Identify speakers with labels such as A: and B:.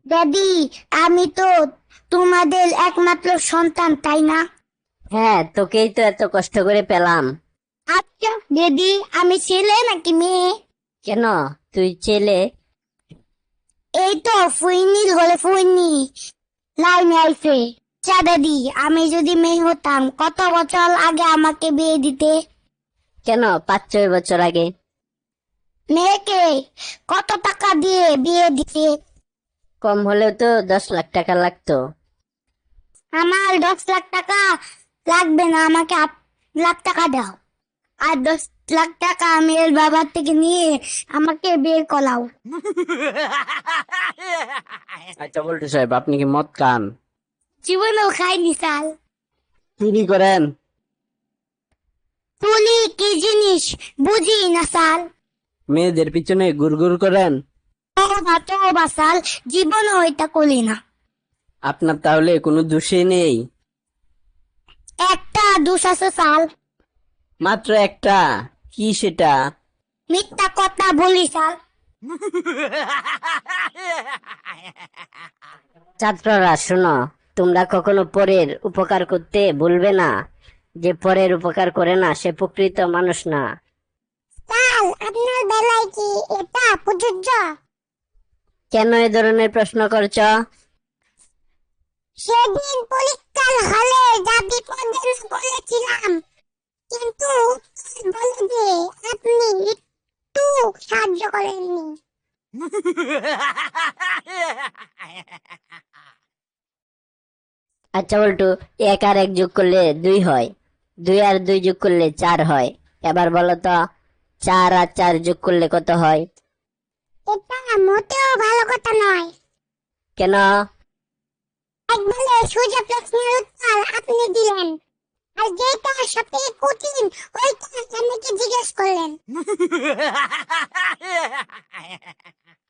A: দাদি, আমি তো তোমাদের একমাত্র সন্তান, তাই না?
B: হ্যাঁ, তোকেই তো এত কষ্ট করে পেলাম।
A: আচ্ছা দাদি, আমি ছেলে নাকি মেয়ে?
B: কেন? তুই ছেলে?
A: এই তো ফুইনির ঘরে ফুইনি লাইনে আইছে। আচ্ছা দাদি, আমি যদি মেয়ে হতাম কত বছর আগে আমাকে বিয়ে দিতে?
B: কেন 5-6 বছর আগে?
A: মেয়েকে কত টাকা দিয়ে বিয়ে দিতে?
B: কম হলেও তো 10 লাখ টাকা লাগতো।
A: আমার 10 লাখ টাকা লাগবে না, আমাকে 8 লাখ টাকা দাও। আর 10 লাখ টাকা আমি এর বাবার থেকে নিয়ে আমাকে বিয়ে করাও।
C: আচ্ছা বল্টু সাহেব, আপনি কি মদ খান?
A: জীবনেও খাইনি সাল।
C: চুরি করেন?
A: তুলি কি জিনিস বুঝি না সাল।
C: মেয়েদের পিছনে গুড়গুড় করেন?
A: তবা সাল, জীবনেও এটা করি না।
C: আপনার তাহলে কোনো দোষই নেই?
A: একটা দোষ আছে সাল।
C: মাত্র একটা? কি সেটা?
A: মিথ্যা কথা বলি সাল।
B: ছাত্ররা শোনো, তোমরা কখনো পরের উপকার করতে ভুলবে না। যে পরের উপকার করে না সে প্রকৃত মানুষ না।
A: সাল, আপনার বেলায় কি এটা প্রযোজ্য?
B: কেন এ ধরনের প্রশ্ন করছ?
A: সেদিন পরীক্ষার হলে যা বিপদে বলেছিলাম, কিন্তু উত্তর বলে যে আপনি একটু সাহায্য করেননি।
B: আচ্ছা বল্টু, 1 আর 1 যোগ করলে 2 হয়, 2 আর 2 যোগ করলে 4 হয়। এবার বলো তো, 4 আর 4 যোগ করলে কত হয়?
A: এটা মোটেও ভালো কথা নয়।
B: কেন?
A: একবারে সোজা প্রশ্নের উত্তর আপনি দিলেন, আর যেটা সবথেকে কঠিন ওইটা আমাকে জিজ্ঞেস করলেন।